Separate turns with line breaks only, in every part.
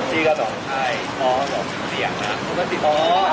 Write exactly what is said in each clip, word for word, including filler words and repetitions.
พี่ก็ต้องใช่
อ๋อเหรอ
เสียงนะ
ปกติอ๋อ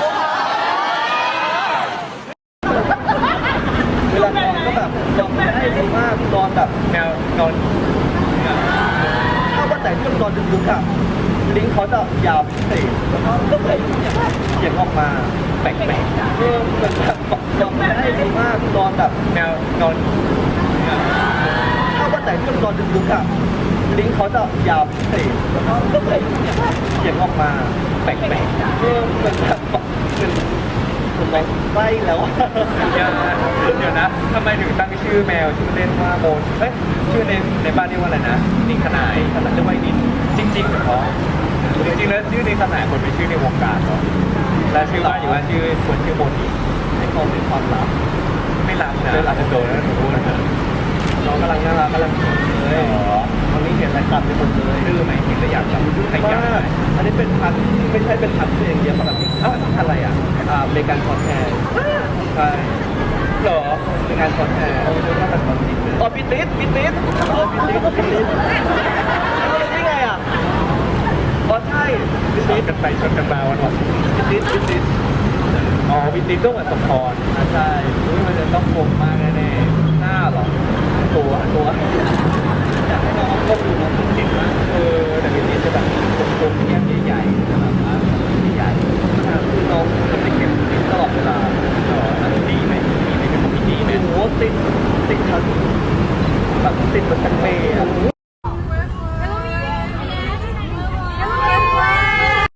เวลานอนก็แบบนอนไม่ได้ดีมากนอนแบบ
แมวนอน
ถ้าวันไหนที่มันนอนดึกๆอ่ะลิ้นเขาจะยาวพิเศษแล้วก็ก็เลยเสียงออกมาแปลกๆเออเหมือนแบบนอนไม่ได้ดีมากนอนแบบ
แมวนอน
ถ้าวันไหนที่มันนอนดึกๆอ่ะลิ้นเขาจะยาวพิเศษแล้วก็ก็เลยเสียงออกมาแปลกๆเออเหมือนแบบเหมือนเหมือนแบบไส้แล้วอะ
เดี๋ยวนะเดี๋ยวนะทำไมถึงตั้งชื่อแมวชื่อเล่นว่าโมนเอ้ยชื่อในในบ้านเรียกว่าอะไรนะนิงขนายขนาดเรียกว่าไอ้นินจริงๆเหรอจริงๆแล้วชื่อนิงขนายคนเป็นชื่อในวงการเหรอและชื่อบ้านอยู่ว่าชื่อคนชื่อโมนีให้เขาเป็นความลับไม่ลับนะไม่ลับจะโดนนะหนูพูดนะ
น้องกำลังน่ารักกำลังสวยเลยตอนนี้เห็นอะไรตัดไปหมดเลย
ดื้อไหมเห็นแล้วอยากจับข
ม
ยับไหม
ากอันนี้เป็นพันธุ์ไม่ใช่เป็นพันธุ์ที่เองเดียวปกติอ้าวพันธุ์อะไรอ่ะอ่าอเมริกันคอร์สแฮร์ใช่
เหรอ
อเมริกันคอร์สแฮร์เอาดูว่าเป็นคอร์สติดอ๋อปิติสปิติสเออปิติสปิติสเอาเลยได้ไงอ่ะอ๋อใช่ปิ
ช
ติ
น
ส
กันไปชนกันมาวันวัน
ปิติสปิติส
อ๋อวินติก็เหมือนสมพร
อ่าใช่อุ๊ยมันจะต้องคมมากแน่ๆหน้าเหรอตัวตัวอยากให้น้องก้มดูน้องเก่งมาก
เออแต่วินติจะแบบกลมๆแก้มใหญ่ๆแบบว่าใหญ่
คือน้องจะเป็น